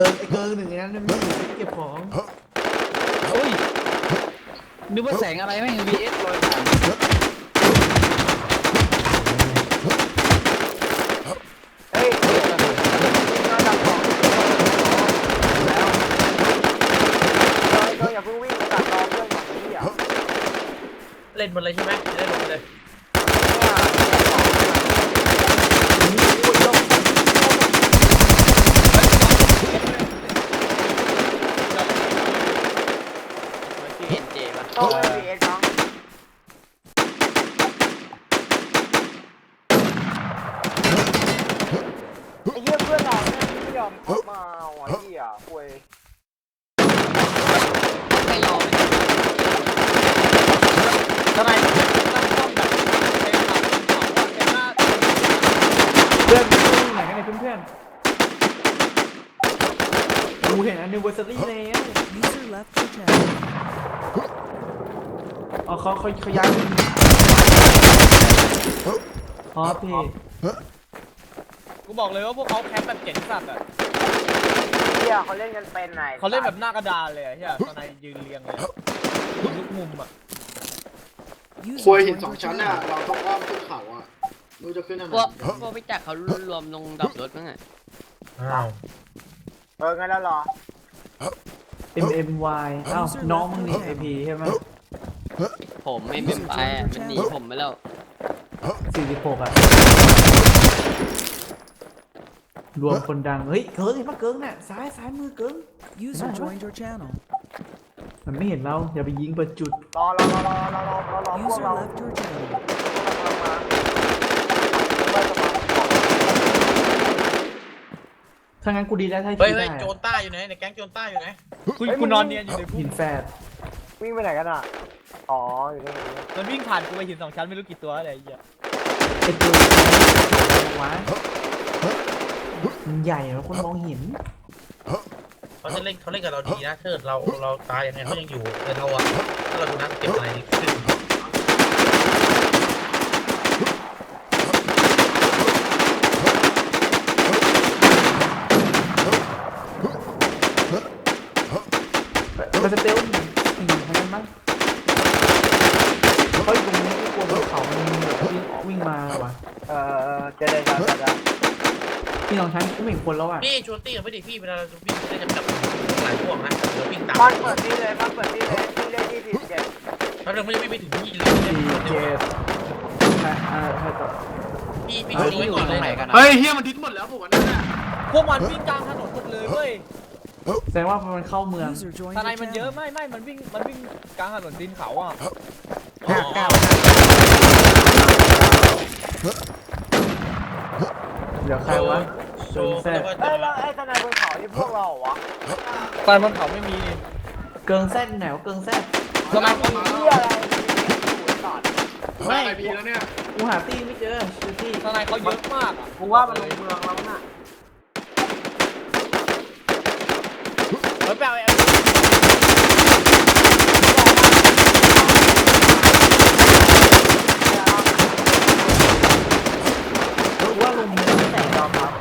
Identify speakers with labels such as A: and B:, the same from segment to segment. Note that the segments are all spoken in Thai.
A: ไอ้เกิร์หนึ่งในนั้นไม่อยู่เก็บของ
B: โอ้ยนึกว่าแสงอะไรแม่ง VS ลอยผ่าน
C: เฮ้ยน่าจะของแล้วเฮ้ยอย่าเพิ่งวิ่งตัดตอเพื่อนอย่างนี้อ่ะ
D: เล่นหมดเลยใช่ไหมเล่นหมดเลย
C: ต้องเป็น VS น้องไอ้เหี้ยเพื่อนเราเนี่ยไม่ยอมเข้ามาว่ะเหี้ยคุย
B: ไม่ยอมทำไมตั้งป้อมแบบเป็นหลักเป็นของว่าเป็นหน้า
A: เพื่อนไหนกันเนี่ยเพื่อนกูเห็นอันนิวเวอร์ซัรี่แล้วอ๋อเขาย้ายอ๋อพี่
D: กูบอกเลยว่าพวกเขาแคมป์แบบเจ๋งสัตว์อ่ะ
C: เหี้ยเขาเล่นกันเป็นไหน
D: เขาเล่นแบบหน้ากระดานเลยเฮียตอนในยืนเรียงเลยทุกมุมอ่ะ
E: ควยหิน2 ชั้นอ่ะเราต้องอ้อมขึ้นเขาอ่ะไม่รู้จะขึ้นทางไหน
B: พวกพี่จักรเขารวมลงดับรถมั้งอ่ะ
C: งั้นแล้วเหรอ
A: MMY อ้าวน้องมึงนี่ AP ใช่ไหม
B: ผมไม่เป็นไปอ่ะมันหนีผมไปแล้ว
A: 46อ่ะรวมคนดังเฮ้ยเกิร์กเห็นปะเกิร์กเนี่ยซ้ายมือเกิร์กมันไม่เห็นเราอย่าไปยิงเปิดจุด
C: รอพวกเรา
A: ถ้างั้นกูดีแล้วถ้า
D: เฮ้ย
A: ได้
D: โจนต้าอยู่ไหนในแก๊งโจนต้าอยู่ไหนกูนอนเนียนอยู่ในพุ่ม
A: หินแฟด
C: วิ่งไปไหนกันอ่ะอ๋ออยู่นี่
D: มันวิ่งผ่านกูไปหิน2 ชั้นไม่รู้กี่ตัวอะไรเงี้ย
A: ไอ้ตัววะมันใหญ่แล้วคนมองเห็น
D: เขาเล่นกับเราดีนะเทิดเราตายยังไงเขายังอยู่แต่เราอะถ้าเราดูนะเก็บอะไรขึ้น
A: มันจะเตี้ยวหินทั้งนั้นมั้งเขาอยู่ตรงนี้ที่กลัวบนเขามันวิ่งมาว่ะ
C: เจอเลยครับ
A: พี่น้องชั้นก็ไม่เห็นคนแล้วอ่ะ
D: พี่ชวนตี้กับไม่ดีพี่เวลาเราวิ่งได้จะจับหลายพวกนะเดี๋ยววิ่งตาม
C: บ้านเปิดนี่เลยที่เลขที่47
D: แล้วเราไม่ยังไม่ไปถึงที่เลยพี่ดูไว้ก่อนเลย
E: เฮ้ยเฮียมันดิ้นหมดแล้วผมว่านั่นน่ะ
D: พวกมันวิ่งกลางถนนหมดเลยเว้ย
A: แสดงว่ามันเข้าเมือง
D: ทนายมันเยอะไม่มันวิ่งกลางถนนดินเขาอ่ะ
A: เดี๋ยวใครวะโซนแซ่
C: แล้วไอ้ทนายบนเขาที่พวกเราวะ
D: ตอนบนเขาไม่มี
A: เกิงแซ่ไหนวะเกิงแซ่
D: ทนายเขา
C: ที่อะไร
E: ไม่พีแล้วเนี่ย
A: กูหาตี้ไม่เจอตี้
D: ทนายเขาเยอะมากอ่ะ
C: กูว่ามันลงเมืองแล้วน่ะ
D: แปลว่า
A: ว่าลงเมืองไม่แต่ยอมครับ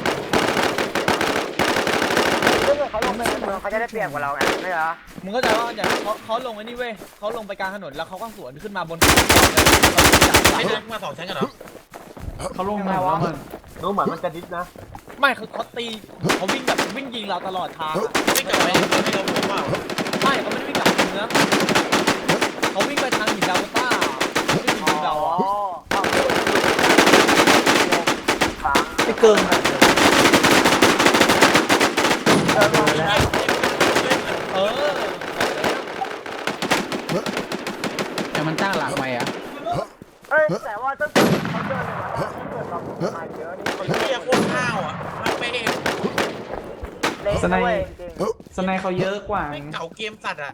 C: ถ้าเกิดเขาลงไปในเมืองเขาจะได้เปรียบกว่าเราไงไม่เหรอ
D: มึงเข้าใจว่าอย่างเขาลงไอ้นี่เว้ยเขาลงไปกลางถนนแล้วเขาก็สวนขึ้นมาบนไม่เดินขึ้นมา2 ชั้นกันเหรอ
A: เขาลงมาว่ามัน
C: ดูเหมือนมันจะดิสนะ
D: ไม่เขาตีเขาวิ่งแบบวิ่งยิงเราตลอดทางไม่กลับไปไม่เราบอกว่าไม่เขาไม่ได้วิ่งกลับเนื้อเขาวิ่งไปทางหินดาวต้าวิ่งหินดาว
A: ไอ้เกิง
B: แต่มันตั้งหลักใหม่อ่ะ
C: แต่ว่าถ้าเกิดเขาเจอเนี่ยถ้าเกิดเรามาเยอะนี่เขา
D: เรียกพวกข้าวอ่ะมันเป็น
A: สไนเขาเยอะกว่า
D: เก่าเกมสัตว์อ่ะ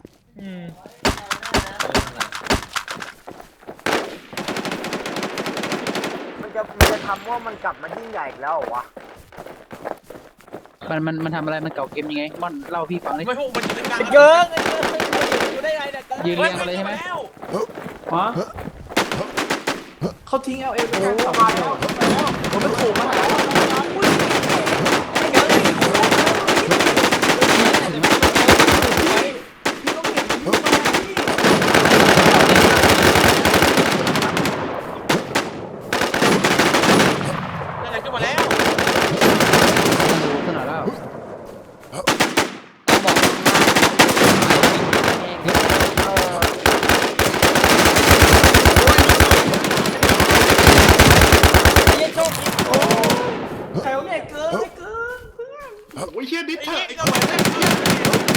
C: มันจะทำว่ามันกลับมายิ่งใหญ่แล้ววะ
B: มันทำอะไรมันเก่าเกมยังไงม่อนเล่าพี่ฟังเลย
D: ไม่พวกมันยืนกลางเกินอยู่ได้ไงเนี่ย
B: ยืนเรียงอะไรใช่ไหม
A: ฮะเขาทิ้ง LA ไปแล้วมาแล้วผมไม่ถูกมาหา
E: โอ้ยเฮียดิสเถอะ
F: ไอ้เหี้ยก็เหมือน